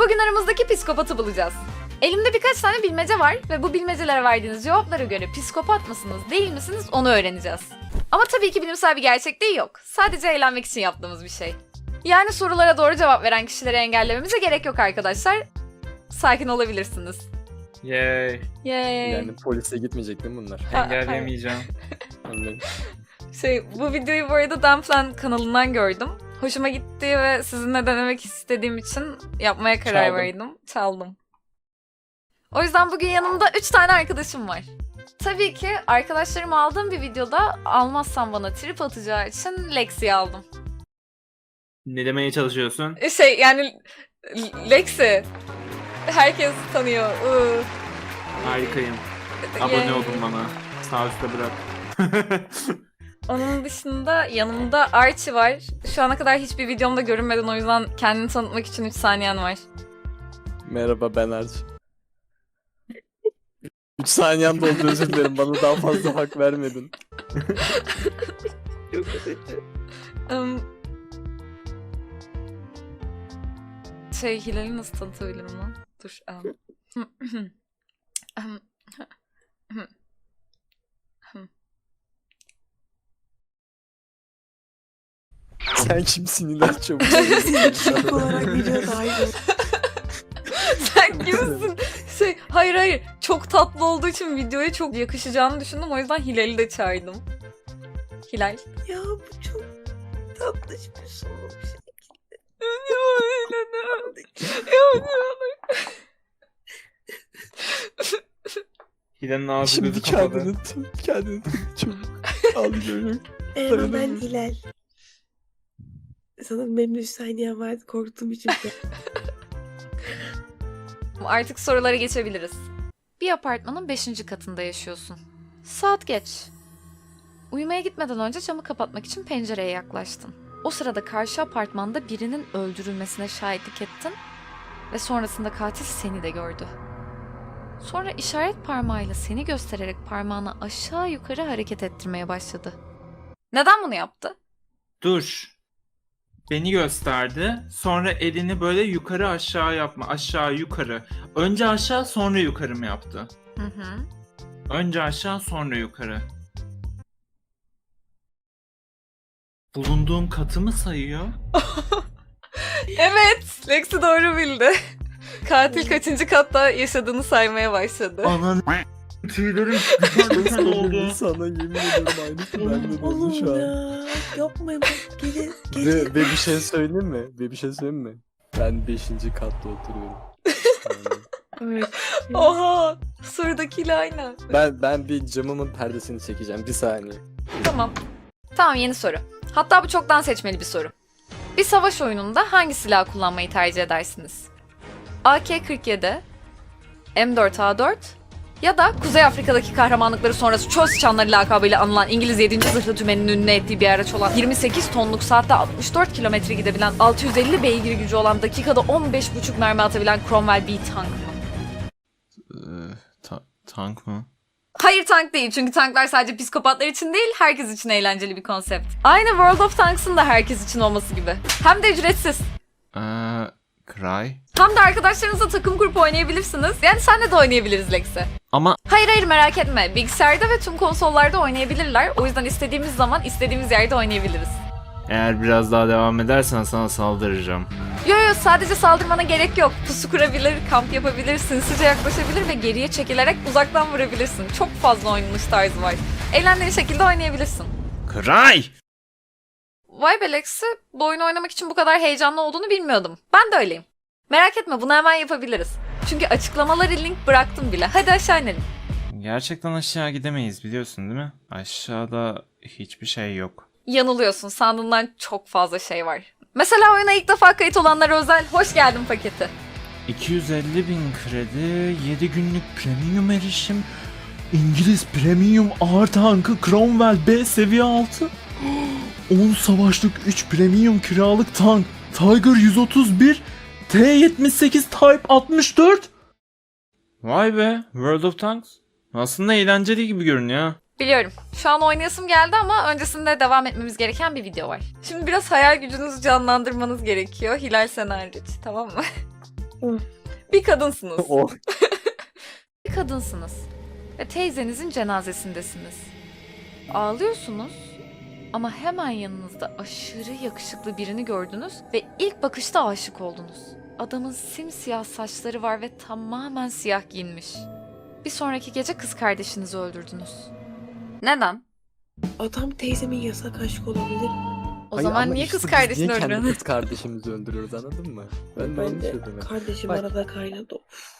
Bugün aramızdaki psikopatı bulacağız. Elimde birkaç tane bilmece var ve bu bilmecelere verdiğiniz cevaplara göre psikopat mısınız, değil misiniz onu öğreneceğiz. Ama tabii ki bilimsel bir gerçekliği yok. Sadece eğlenmek için yaptığımız bir şey. Yani sorulara doğru cevap veren kişileri engellememize gerek yok arkadaşlar. Sakin olabilirsiniz. Yay. Yay. Yani polise gitmeyecek değil mi bunlar? Engelleyemeyeceğim. Anladım. Bu videoyu bu arada Dumplan kanalından gördüm. Hoşuma gitti ve sizinle denemek istediğim için yapmaya karar Çaldım. verdim. Çaldım. O yüzden bugün yanımda 3 tane arkadaşım var. Tabii ki arkadaşlarım aldığım bir videoda almazsam bana trip atacağı için Lexi'yi aldım. Ne demeye çalışıyorsun? Yani Lexi herkes tanıyor. Harikayım. Abone Yani olun bana. Sağ üstte bırak. Onun dışında yanımda Archie var. Şu ana kadar hiçbir videomda görünmeden o yüzden kendini tanıtmak için 3 saniyen var. Merhaba ben Arç. 3 saniyem doldu, özür dilerim. Bana daha fazla hak vermedin. Hilal'i nasıl tanıtabilirim lan? Dur. Sen kimsin İlaç çabuk? Şok olarak video dahil. Sen kimsin? Hayır. Çok tatlı olduğu için videoya çok yakışacağını düşündüm. O yüzden Hilal'i de çağırdım. Hilal. Ya bu çok tatlış bir soru. Hilal'in ağzı Şimdi gözü kapalı. kendini çabuk alıyorum. Merhaba ben Hilal. Sanırım benim de 3 saniyem vardı, korktuğum için. Artık sorulara geçebiliriz. Bir apartmanın 5. katında yaşıyorsun. Saat geç. Uyumaya gitmeden önce camı kapatmak için pencereye yaklaştın. O sırada karşı apartmanda birinin öldürülmesine şahitlik ettin ve sonrasında katil seni de gördü. Sonra işaret parmağıyla seni göstererek parmağını aşağı yukarı hareket ettirmeye başladı. Neden bunu yaptı? Dur. Beni gösterdi. Sonra elini böyle yukarı aşağı yapma. Aşağı yukarı. Önce aşağı sonra yukarı mı yaptı? Hı. Önce aşağı sonra yukarı. Bulunduğum katı mı sayıyor? Evet, Lexi doğru bildi. Katil kaçıncı katta yaşadığını saymaya başladı. Ananı tüylerim diken oldu. Sana yemin ediyorum aynısı bende de oldu Oğlum şu an. ya. Yapmayın bak. Gece. Ve bir şey söyleyeyim mi? Ben 5. katta oturuyorum. Evet. Oha! Sorudakiyle aynı. Ben bir camımın perdesini çekeceğim. Bir saniye. Tamam, yeni soru. Hatta bu çoktan seçmeli bir soru. Bir savaş oyununda hangi silah kullanmayı tercih edersiniz? AK-47, M4A4 ya da Kuzey Afrika'daki kahramanlıkları sonrası çöl sıçanları lakabıyla anılan İngiliz 7. Zırhlı Tümen'in ünlü ettiği bir araç olan 28 tonluk saatte 64 kilometre gidebilen 650 beygir gücü olan dakikada 15,5 mermi atabilen Cromwell B tank mı? Tank mı? Hayır, tank değil, çünkü tanklar sadece psikopatlar için değil, herkes için eğlenceli bir konsept. Aynı World of Tanks'ın da herkes için olması gibi. Hem de ücretsiz. Cry? Hem de arkadaşlarınızla takım kurup oynayabilirsiniz. Yani senle de oynayabiliriz Lexi. Ama Hayır, merak etme. Bilgisayarda ve tüm konsollarda oynayabilirler. O yüzden istediğimiz zaman istediğimiz yerde oynayabiliriz. Eğer biraz daha devam edersen sana saldıracağım. Yo, sadece saldırmana gerek yok. Pusu kurabilir, kamp yapabilir, sinsice yaklaşabilir ve geriye çekilerek uzaktan vurabilirsin. Çok fazla oynanış tarzı var. Eğlendiğin şekilde oynayabilirsin. Kray! Vay be Lexi, bu oyunu oynamak için bu kadar heyecanlı olduğunu bilmiyordum. Ben de öyleyim. Merak etme, bunu hemen yapabiliriz. Çünkü açıklamaları link bıraktım bile. Hadi aşağı inelim. Gerçekten aşağı gidemeyiz biliyorsun değil mi? Aşağıda hiçbir şey yok. Yanılıyorsun, sandığından çok fazla şey var. Mesela oyuna ilk defa kayıt olanlara özel hoş geldin paketi. 250.000 kredi, 7 günlük premium erişim, İngiliz premium ağır tankı Cromwell B seviye 6, 10 savaşlık 3 premium kiralık tank Tiger 131, T-78 Type 64. Vay be, World of Tanks. Aslında eğlenceli gibi görünüyor. Biliyorum. Şu an oynayasım geldi ama öncesinde devam etmemiz gereken bir video var. Şimdi biraz hayal gücünüzü canlandırmanız gerekiyor. Hilal sen hariç, tamam mı? Bir kadınsınız. O Bir kadınsınız. Ve teyzenizin cenazesindesiniz. Ağlıyorsunuz. Ama hemen yanınızda aşırı yakışıklı birini gördünüz ve ilk bakışta aşık oldunuz. Adamın simsiyah saçları var ve tamamen siyah giyinmiş. Bir sonraki gece kız kardeşinizi öldürdünüz. Neden? Adam teyzemin yasak aşkı olabilir. O Hayır, zaman ama niye işte kız biz kardeşini niye kendi öldürüyorsun? kız kardeşimizi öldürüyoruz, anladın mı? Ben de onu Ben de söyledim. kardeşim Bak. arada kaynadı.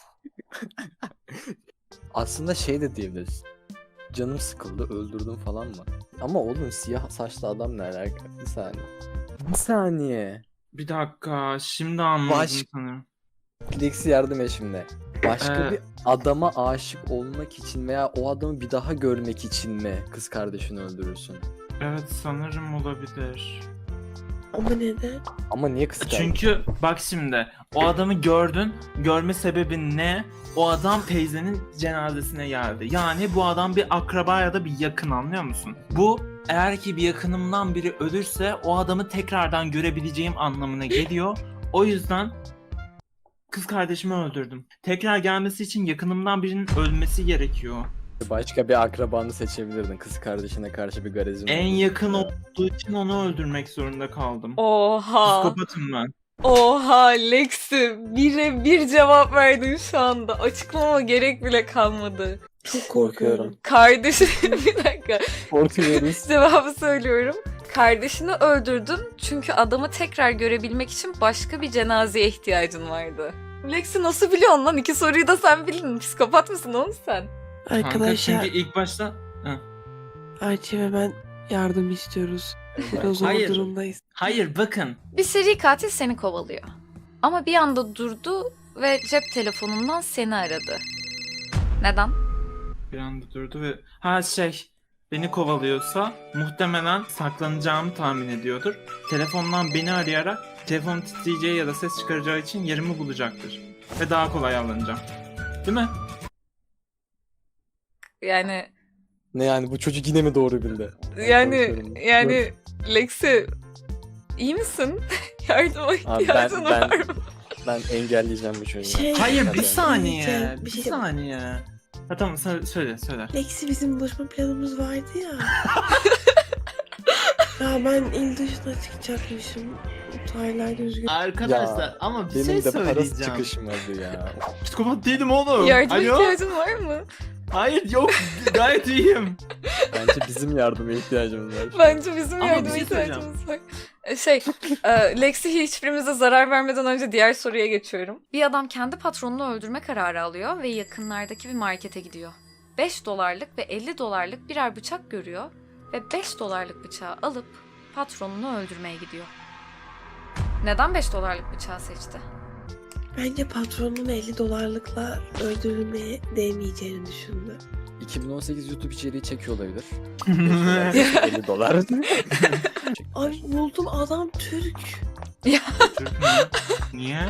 Aslında şey de diyebiliriz. Canım sıkıldı, öldürdüm falan mı? Ama oğlum siyah saçlı adam ne alaka? Bir saniye. Bir saniye. Bir dakika, şimdi anladım Baş- sanırım. Lexi yardım et şimdi. Başka Ee. bir adama aşık olmak için veya o adamı bir daha görmek için mi kız kardeşini öldürürsün? Evet, sanırım olabilir. Ama neden? Ama niye kız kardeşi? Çünkü bak şimdi, o adamı gördün, görme sebebin ne? O adam teyzenin cenazesine geldi. Yani bu adam bir akraba ya da bir yakın, anlıyor musun? Bu eğer ki bir yakınımdan biri ölürse o adamı tekrardan görebileceğim anlamına geliyor. O yüzden kız kardeşimi öldürdüm. Tekrar gelmesi için yakınımdan birinin ölmesi gerekiyor. Başka bir akrabanı seçebilirdin. Kız kardeşine karşı bir garezin En olduğu yakın için. olduğu için onu öldürmek zorunda kaldım. Oha. Psikopatım ben. Oha Lexi. Bir cevap verdin şu anda. Açıklama gerek bile kalmadı. Çok korkuyorum. Kardeşi bir dakika. Korkuyoruz. Cevabı söylüyorum. Kardeşini öldürdün çünkü adamı tekrar görebilmek için başka bir cenazeye ihtiyacın vardı. Lexi nasıl biliyorsun lan? 2 soruyu da sen bildin. Psikopat mısın oğlum sen? Kanka Arkadaşlar çünkü ilk başta... Arçi ve ben yardım istiyoruz. O zor Hayır. durumdayız. Hayır, bakın. Bir seri katil seni kovalıyor. Ama bir anda durdu ve cep telefonundan seni aradı. Neden? Bir anda durdu ve... Beni kovalıyorsa muhtemelen saklanacağımı tahmin ediyordur. Telefondan beni arayarak telefon titreyeceği ya da ses çıkaracağı için yerimi bulacaktır. Ve daha kolay avlanacağım. Değil mi? Yani Ne yani, bu çocuk yine mi doğru bildi? yani Lexi iyi misin? Yardıma Abi ihtiyacın var mı? ben engelleyeceğim bu çocuğu. Hayır, Hadi. bir saniye. Diyeceğim, bir Bir şey- saniye. Ha tamam, söyle. Lexi bizim buluşma planımız vardı ya. Ya ben il dışına çıkacakmışım. Tarihler üzgün. Arkadaşlar Ya, ama bir Benim şey de parası söyleyeceğim. çıkışmadı ya. Psikopat değilim oğlum. Yardıma Alo? ihtiyacın var mı? Hayır, yok. Gayet iyiyim. Bence bizim yardıma ihtiyacımız var. Bence bizim Ama yardıma bir şey ihtiyacımız var. Lexi hiçbirimize zarar vermeden önce diğer soruya geçiyorum. Bir adam kendi patronunu öldürme kararı alıyor ve yakınlardaki bir markete gidiyor. 5 dolarlık ve 50 dolarlık birer bıçak görüyor ve 5 dolarlık bıçağı alıp patronunu öldürmeye gidiyor. Neden 5 dolarlık bıçağı seçti? Bence patronun 50 dolarlıkla öldürülmeye değmeyeceğini düşündü. 2018 YouTube içeriği çekiyor olabilir. 50 dolar. Ay buldum, adam Türk. Türk mü? Niye?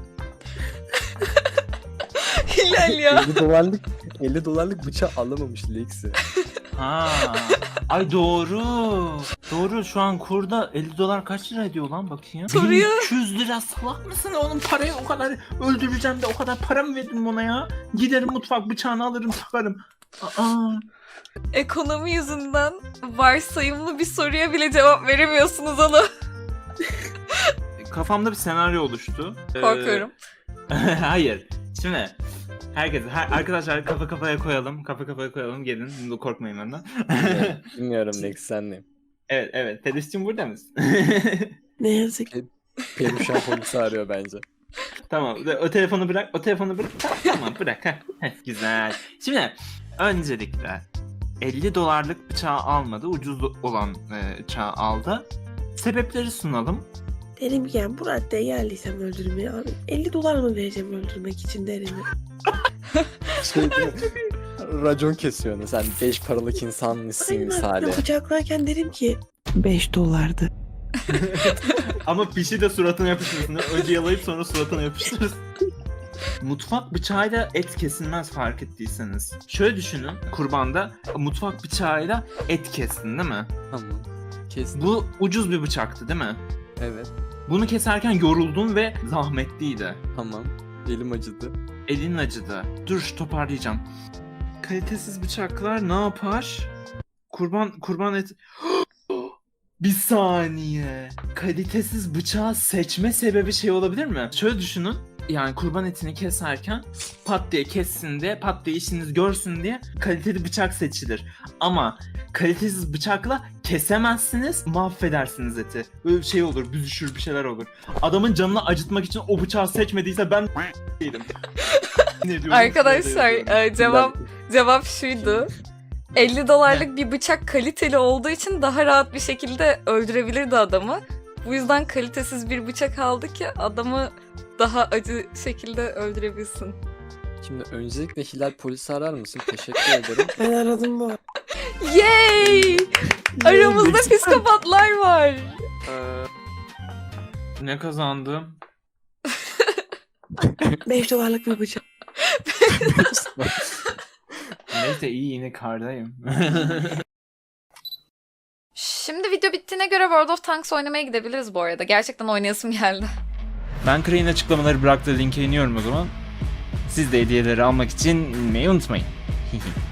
Hilal ya. 50 dolarlık bıçağı alamamış Lexi. Ha. Ay doğru. Doğru, şu an kurda 50 dolar kaç lira ediyor lan, bakayım. Soruya- 1300 lira, salak mısın oğlum? Parayı o kadar öldüreceğim de o kadar para mı verdim ona ya? Giderim mutfak bıçağını alırım, takarım. Aa. Ekonomi yüzünden varsayımlı bir soruya bile cevap veremiyorsunuz oğlum. Kafamda bir senaryo oluştu. Korkuyorum. Hayır. Şimdi arkadaşlar kafa kafaya koyalım. Kafa kafaya koyalım. Gelin. Korkmayın benden. Bilmiyorum Lexi, senleyim. evet. Peluş'cum burada mısın? Ne yazık ki. Perişan polisi arıyor bence. Tamam. O telefonu bırak. Tamam, bırak. Güzel. Şimdi öncelikle 50 dolarlık bıçağı almadı. Ucuz olan bıçağı aldı. Sebepleri sunalım. Derim ki yani bu raddeye geldiysem öldürmeye abi 50 dolar mı vereceğim öldürmek için derim. Şey değil mi? Racon kesiyor onu. Sen 5 paralık insan mısın Aynen, misali? bıçaklarken derim ki 5 dolardı. Ama pişi de suratına yapıştırsın. Önce yalayıp sonra suratına yapıştırırsın. Mutfak bıçağıyla et kesilmez, fark ettiyseniz. Şöyle düşünün, kurbanda mutfak bıçağıyla et kestin değil mi? Tamam. Kestim. Bu ucuz bir bıçaktı değil mi? Evet. Bunu keserken yoruldun ve zahmetliydi. Tamam. Elim acıdı. Elin acıdı. Dur toparlayacağım. Kalitesiz bıçaklar ne yapar? Kurban et... Bir saniye. Kalitesiz bıçağı seçme sebebi şey olabilir mi? Şöyle düşünün. Yani kurban etini keserken pat diye kessin diye, pat diye işiniz görsün diye kaliteli bıçak seçilir. Ama kalitesiz bıçakla kesemezsiniz, mahvedersiniz eti. Böyle bir şey olur, büzüşür bir şeyler olur. Adamın canını acıtmak için o bıçağı seçmediyse ben değilim. Ne diyorum? Arkadaşlar cevap şuydu. 50 dolarlık bir bıçak kaliteli olduğu için daha rahat bir şekilde öldürebilirdi adamı. Bu yüzden kalitesiz bir bıçak aldı ki adamı daha acı şekilde öldürebilsin. Şimdi öncelikle Hilal polisi arar mısın? Teşekkür ederim. Ben aradım bu. Yay! Aramızda psikopatlar var. Ne kazandım? 5 dolarlık bir bıçak. Neyse iyi yine kardayım. Şimdi video bittiğine göre World of Tanks oynamaya gidebiliriz bu arada. Gerçekten oynayasım geldi. Ben Crane'in açıklamaları bıraktığı linke iniyorum o zaman. Siz de hediyeleri almak için inmeyi unutmayın.